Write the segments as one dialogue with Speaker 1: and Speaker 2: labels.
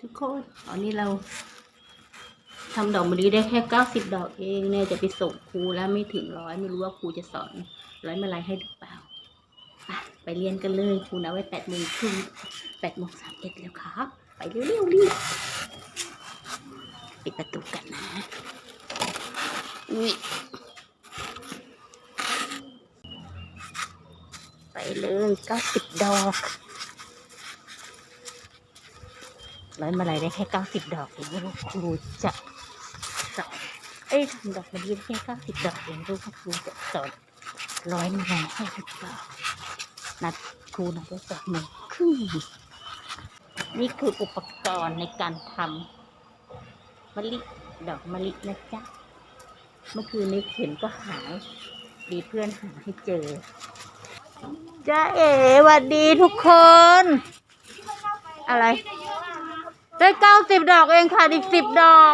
Speaker 1: ทุกคนตอนนี้เราทำดอกมะลิได้แค่90 ดอกเองเนี่ยจะไปส่งครูแล้วไม่ถึง100ไม่รู้ว่าครูจะสอน100 มาลัยให้หรือเปล่าไปเรียนกันเลยครูนัดไว้8 โมงครึ่ง8 โมง 31แล้วครับไปเร็วๆรีบปิดประตูกันนะอุ้ยไปเลย90 ดอก100 มาลัยได้แค่90 ดอกเองไม่รู้ครูจะสอนทำดอกมะลิได้แค่90 ดอกเองไม่รู้ว่าครูจะสอน100 มาลัยให้หรือเปล่านัดครูนัดไว้8 โมงครึ่งนี่คืออุปกรณ์ในการทำมะลิดอกมะลินะจ๊ะเมื่อคืนนี้เข็มก็หายดีเพื่อนหาให้เจอจ้าเอ๋สวัสดีทุกคนอะไรได้90 ดอกเองค่ะอีก10 ดอก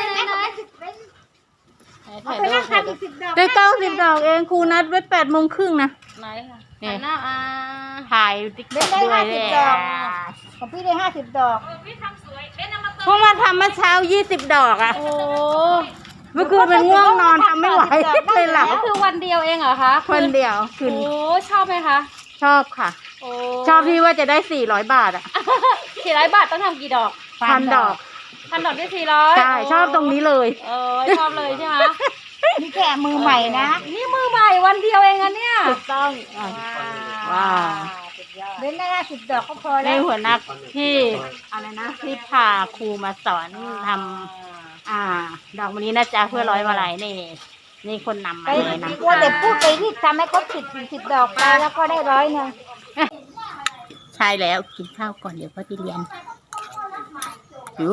Speaker 1: ได้90 ดอกเองครูนัดไว้8 โมงครึ่งนะไหนค่ะเนี่ยถ่ายติ๊กต็อกด้วย
Speaker 2: ของพี่ได้50 ดอก
Speaker 1: พวกมาทำเมื่อเช้า20 ดอกอ่ะโอ้เมื่อคืนมันง่วงนอนทำไม่ไหวเลยหลับ
Speaker 3: ก็คือวันเดียวเองเหรอคะ
Speaker 1: วันเดียวคืน
Speaker 3: โอ้ชอบไหมคะ
Speaker 1: ชอบค่ะชอบที่ว่าจะได้400 บาทอ่ะ
Speaker 3: 400 บาทต้องทำกี่ดอก
Speaker 1: 1,000 ดอก
Speaker 3: 1,000 ดอกได้400
Speaker 1: ใช่ชอบตรงนี้เลย
Speaker 3: ชอบเลยใช่ไหม
Speaker 2: นี่แค่มือใหม่นะ
Speaker 3: นี่มือใหม่วันเดียวเองอะเนี่ย
Speaker 1: ถูกต้องว้าว
Speaker 2: เล่นได้50 ดอกก็พอ
Speaker 1: ใน
Speaker 2: แล้ว
Speaker 1: หัวหน้าที่อะไรนะที่พาครูมาสอนทำดอกมะลินะจ๊ะเพื่อ100 มาลัยนี่คนนำมาเลยนะ
Speaker 2: ว่าแต่พูดไปที่ทำให้ครบ10 ดอกไปแล้วก็ได้100 นึง
Speaker 1: ใช่แล้วกินข้าวก่อนเดี๋ยวพ่อไปเรียนหิว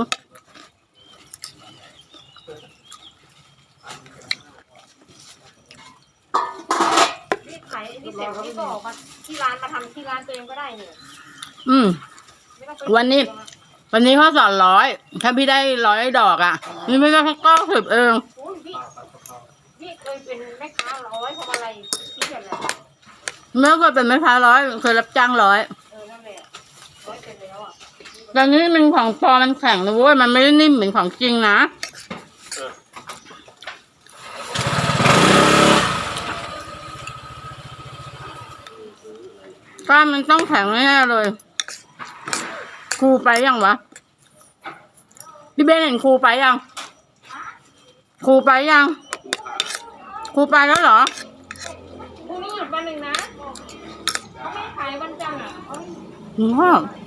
Speaker 3: นี่เสร็จนี่ก็ออกมาที่ร้านมาทำที่ร้านตัวเองก็ได้เนี่ย
Speaker 1: วันนี้เขาสอน100ถ้าพี่ได้100 ดอกอ่ะนี่ไม่ได้แค่90เอง
Speaker 3: พี่เคยเป็นแม่ค้า100ทำอะไรพี่เห็นอะไร
Speaker 1: ไม่เคยเป็นแม่ค้า100เคยรับจ้าง100
Speaker 3: นั่นแหละ100เป็นแล้วอ่ะ
Speaker 1: แต่นี้มันของปลอมมันแข็งนะเว้ยมันไม่ได้นิ่มเหมือนของจริงนะก้านมันต้องแข็งแน่เลยครูไปยังวะพี่เบนเห็นครูไปยังครูไปแล้วเหรอ
Speaker 3: พรุ่งนี้หยุดวันหนึ่งนะเขาไม่ขายวันจันทร์อ่ะ